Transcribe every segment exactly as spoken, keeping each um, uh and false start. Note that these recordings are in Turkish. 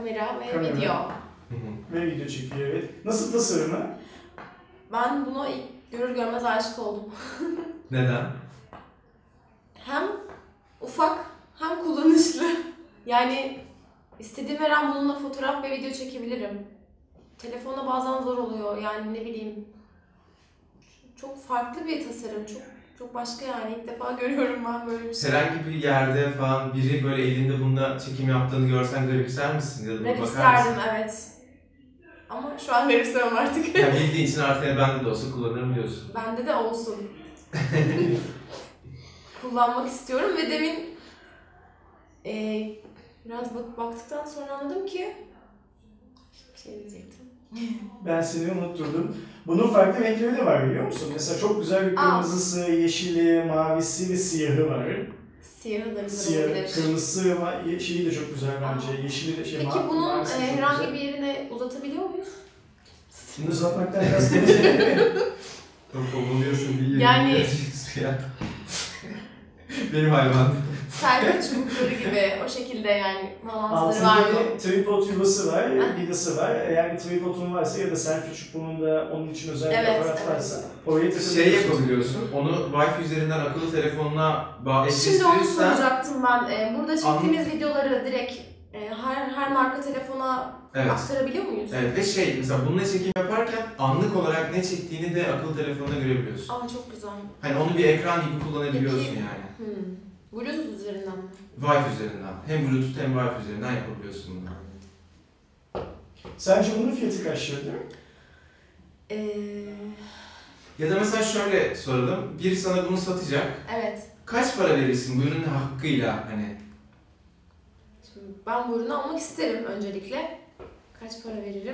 kamera ve Kamera. video. Ve video çekiyor, evet. Nasıl tasarımı? Ben buna ilk görür görmez aşık oldum. Neden? Hem ufak hem kullanışlı. Yani istediğim her an bununla fotoğraf ve video çekebilirim. Telefonda bazen zor oluyor, yani ne bileyim. Çok farklı bir tasarım, çok çok başka yani. İlk defa görüyorum ben böyle bir şey. Herhangi bir yerde falan biri böyle elinde bunda çekim yaptığını görsen garipser misin? Ya da bakar Garipserdim, mısın? evet. Ama şu an garipsemem artık. Ya bildiğin için artık bende de olsa kullanırım diyorsun. Bende de olsun. Kullanmak istiyorum ve demin e, biraz bak baktıktan sonra anladım ki bir şey diyecektim. Ben seni unutturdum. Bunun farklı renkleri de var, biliyor musun? Mesela çok güzel bir kırmızısı, Aa. yeşili, mavisi ve siyahı var. Siyahı da güzel Siyah, olabilir. Kırmızısı ama şeyi de çok güzel bence. Aa. Yeşili de şey. Peki bunun e, herhangi güzel. bir yerine uzatabiliyor muyuz? Bunu uzatmaktan biraz konuşalım. Kovuluyorsun diye. Yani... Benim hayvan. Selfie çubukları gibi o şekilde yani bağlantıları var mı? Altında bir tripod yuvası var, vidası var. Eğer bir tripodun varsa ya da selfie çubuğunun da onun için özel bir evet, aparat evet. varsa oraya takabiliyorsun. Şey yapabiliyorsun, onu Wi-Fi üzerinden akıllı telefonuna bağlayabilirsen... Şimdi onu soracaktım ben. Ee, burada çektiğimiz an... videoları direkt e, her her marka telefona evet. aktarabiliyor muyuz? Evet ve şey, mesela bununla çekim yaparken anlık olarak ne çektiğini de akıllı telefonuna görebiliyorsun. Aa çok güzel. Hani onu bir ekran gibi kullanabiliyorsun Peki. yani. Hmm. Bluetooth üzerinden mi? Wi-Fi üzerinden. Hem Bluetooth hem Wi-Fi üzerinden yapabiliyorsun bunu. Sence bunun fiyatı kaç lira? Ee... Ya da mesela şöyle soralım. Biri sana bunu satacak. Evet. Kaç para verirsin bu ürünün hakkıyla hani? Şimdi ben bu ürünü almak isterim öncelikle. Kaç para veririm?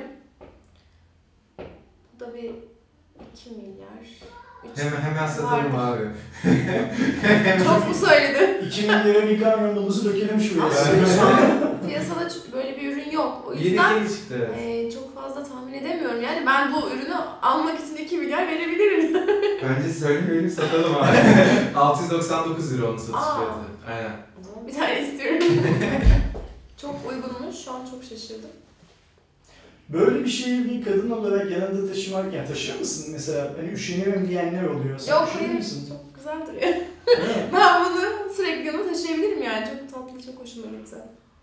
Bu da bir iki milyar. Hemen hemen satarım abi. Çok mu söyledi? iki milyara bir kamyon dolusu dökelim şuraya. Piyasada böyle bir ürün yok. O yüzden yeni çıktı. E, çok fazla tahmin edemiyorum. Yani ben bu ürünü almak için iki milyar verebilirim. Bence söylemeyelim, satalım abi. altı yüz doksan dokuz lira onun satış Aa. fiyatı. Aynen. O zaman bir tane istiyorum. Çok uygunmuş. Şu an çok şaşırdım. Böyle bir şeyi bir kadın olarak yanında taşımarken taşır mısın? Mesela hani üşeniyorum diyenler oluyor. Sen Yok hayır, çok güzel duruyor. Ben bunu sürekli yanıma taşıyabilirim yani. Çok tatlı, çok hoşuma gitti.